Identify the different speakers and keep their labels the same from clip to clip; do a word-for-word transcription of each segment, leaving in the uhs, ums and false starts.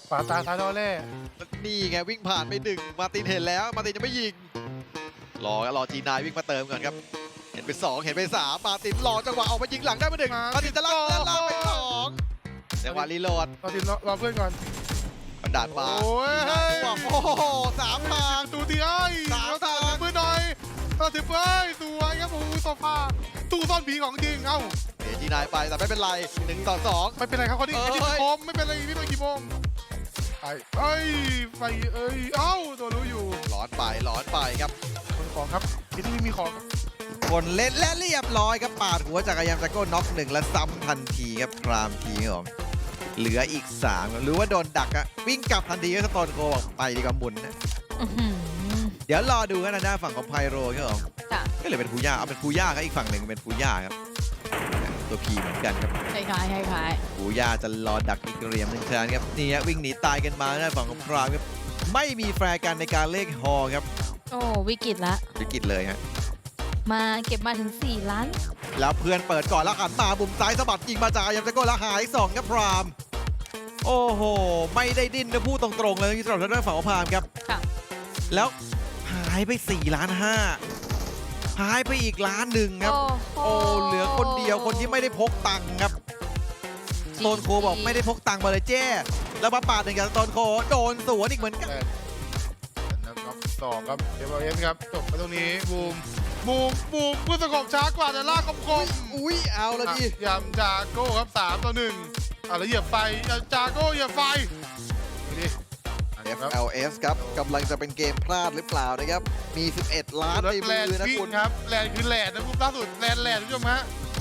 Speaker 1: ขวาตาซ้ายดอเล่
Speaker 2: นี่ไงวิ่งผ่านไปหนึ่งมาร์ตินเห็นแล้วมาร์ตินยังไม่ยิงรอรอจีนายวิ่งมาเติมก่อนครับเห็นไปสองเห็นไปสามมาร์ตินรอจังหวะออกมายิงหลังได้ไปหนึ่งมาร์ตินจะลั่นลั่นลั่นไปสองจังหวะรีโหลด
Speaker 1: รอทีมรอเพื่อนก่อน
Speaker 2: บันดาลมา
Speaker 1: โอ้ย
Speaker 2: จังหวะโอ้โหสามทาง
Speaker 1: ตูตีไอ้
Speaker 2: สามทาง
Speaker 1: เพื่อนหน่อยเราถือเพื่อนสวยครับโอ้โหโซฟาตู้ซ่อนผีของจริงเอ้า
Speaker 2: เอจีนายไปแต่ไม่เป็นไรหนึ่งต่อสอง
Speaker 1: ไม่เป็นไรครับเขาที่
Speaker 2: เอ้ย
Speaker 1: ที่คมไม่เป็นไรพี่มากี่โมงไอ้เอ้ยไฟเอ้ยเอ้าตัวรู้อยู่
Speaker 2: ร้อนไปร้อนไปครับ
Speaker 1: คนของครับที่นี่มีของ
Speaker 2: คนเล่นและเรียบร้อยครับปาดหัวจากรยานจักรโก้น็อกหนึ่งและซ้ำทันทีครับพรามทีครับผมเหลืออีกสามหรือว่าโดนดักอะวิ่งกลับทันทีก็สโตนโกบอกไปดีกว่าหมุนนะ
Speaker 3: อื้อหือ
Speaker 2: เดี๋ยวรอดูกันนะหน้าฝั่งของไพโรครับผม
Speaker 3: จ้ะ
Speaker 2: ก็เลยเป็นฟูย่าเอาเป็นฟูย่าครับอีกฝั่งหนึ่งเป็นฟูย่าครับตัวพีเหมือนกันครับ
Speaker 3: คล้ายๆคล้าย
Speaker 2: ฟูย่าจะรอดักอีกเหลี่ยมหนึ่งครั้งครับนี่ฮะวิ่งหนีตายกันมาหน้าฝั่งของพรามครับไม่มีแฟร์กันในการเลขฮอครับ
Speaker 3: ๆโอ้วิกฤตละ
Speaker 2: วิกฤตเลยฮะ
Speaker 3: มาเก็บมาถึงสี่ล้าน
Speaker 2: แล้วเพื่อนเปิดก่อนแล้วหันมาบุมซ้ายสะบัดยิงมาจากยามเจโก้แล้วหายสองครับพรามโอ้โหไม่ได้ดิ้นนะพูดตรงๆเลยสำหรับทางด้านฝั่งของพรามครับ
Speaker 3: ค่ะ
Speaker 2: แล้วหายไปสี่ล้านห้าหายไปอีกล้านหนึ่งครับ
Speaker 3: โอ้
Speaker 2: โอ้เหลือคนเดียวคนที่ไม่ได้พกตังค์ครับโตนโคบอกไม่ได้พกตังค์มาเลยเจ้แล้วมาปาดหนึ่งกับโตนโคโดนสวนอีกเหมือนกัน
Speaker 1: แต่นับสองครับเอฟเอสครับจบไปตรงนี้บูมบูมบูมผู้สกบช้ากว่าแต่ลากคมคม
Speaker 2: อุ้ยเอาละดิ
Speaker 1: ยำจากโก้ครับสามต่อหนึ่งอ่ะแล้วเหยียบไฟยำจากโก้เหยียบไฟดูดิ
Speaker 2: เอฟ แอล เอส ครับกำลังจะเป็นเกมพลาดหรือเปล่านะครับมีสิบเอ็ดล้าน
Speaker 1: แล้ว
Speaker 2: ใน
Speaker 1: แล
Speaker 2: มื
Speaker 1: น
Speaker 2: อ
Speaker 1: ด์
Speaker 2: นะ
Speaker 1: วิ่
Speaker 2: คุ
Speaker 1: ง
Speaker 2: ณ
Speaker 1: ครับแลนด์คือแลนด์นะคุณล่าสุดแลนด์แลนด์คุณผู้ชมฮะ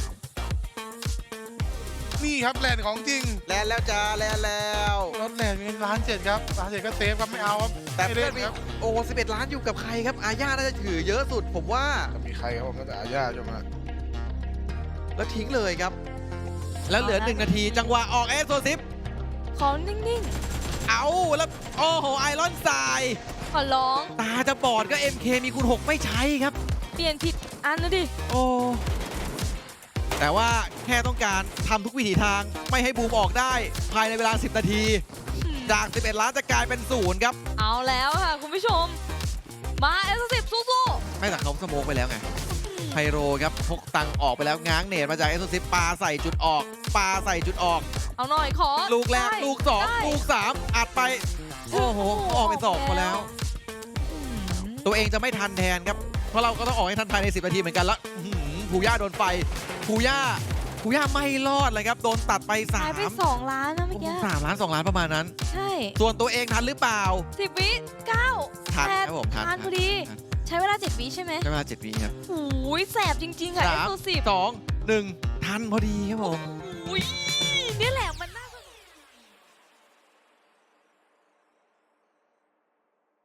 Speaker 1: นี่ครับแลนด์ของจริง
Speaker 2: แลนแล้วจ้าแลนแล้ว
Speaker 1: รถแลนด์มีล้านเจ็ดครับล้านเจ็ดก็เซฟครับไม่เอาครับ
Speaker 2: แต่
Speaker 1: ไม่
Speaker 2: เพื่
Speaker 1: เล่
Speaker 2: อน
Speaker 1: น
Speaker 2: มี
Speaker 1: ครับ
Speaker 2: โอ้สิบเอ็ดล้านอยู่กับใครครับอาญาน่าจะถือเยอะสุดผมว่า
Speaker 1: จะมีใครครับผมน่าจะอาญาใช่ไหม
Speaker 2: แล้วทิ้งเลยครับ แล้วเหลือหนึ่งนาทีจังหวะออกเอสโซซิป
Speaker 3: ขอนิ่ง
Speaker 2: เอาแล้วโอ้โหไอรอนทราย
Speaker 3: ๆ ขอร้อง
Speaker 2: ตาจะบอดก็ เอ็ม เค มีคูณหกไม่ใช้ครับ
Speaker 3: เปลี่ยนผิดอันนะดิ
Speaker 2: โอ้แต่ว่าแค่ต้องการทำทุกวิถีทางไม่ให้บูมออกได้ ภายในเวลาสิบนาที จาก สิบเอ็ด ล้านจะกลายเป็นศูนย์ครับ
Speaker 3: เอาแล้วค่ะคุณผู้ชม มาเอสสิบสู้
Speaker 2: ไม่แต่เขาสโมกไปแล้วไง
Speaker 3: ๆ
Speaker 2: ไพโรครับพกตังออกไปแล้วง้างเนตมาจากเอสโซซิปปาใส่จุดออกปาใส่จุดออก
Speaker 3: เอาหน่อยขอ
Speaker 2: ลูกแรก
Speaker 3: ได้
Speaker 2: ลูกสอง
Speaker 3: ได้
Speaker 2: ลูกสามอัดไป โอ้โห ออกเป็นสองมาแล้ว
Speaker 3: อืม
Speaker 2: ตัวเองจะไม่ทันแทนครับ เพราะเราก็ต้องออกให้ทันภายในสิบนาทีเหมือนกันแล้วอื้อหือภูย่าโดนไฟภูย่าภูย่าไม่รอดเลยครับ โดนตัดไปสา
Speaker 3: หายไป
Speaker 2: ม
Speaker 3: สองล้านนะเมื่อกี้
Speaker 2: สามล้านสองล้านประมาณนั้น
Speaker 3: ใช่
Speaker 2: ส่วนตัวเองทันหรือเปล่า
Speaker 3: สิบวิเก้า
Speaker 2: ทัน
Speaker 3: แปด
Speaker 2: ครับผมทัน
Speaker 3: ทันพอดี
Speaker 2: ทัน
Speaker 3: ใช้เวลาเจ็ดวิใช่ไหม
Speaker 2: ใช้เวลาเจ็ดวิครับ
Speaker 3: โอ้ยแสบจริงๆค่ะเอ
Speaker 2: สาม
Speaker 3: สสิบ
Speaker 2: สองหนึ่งทันพอดีครับผม
Speaker 3: อุ้ยนี่แหละ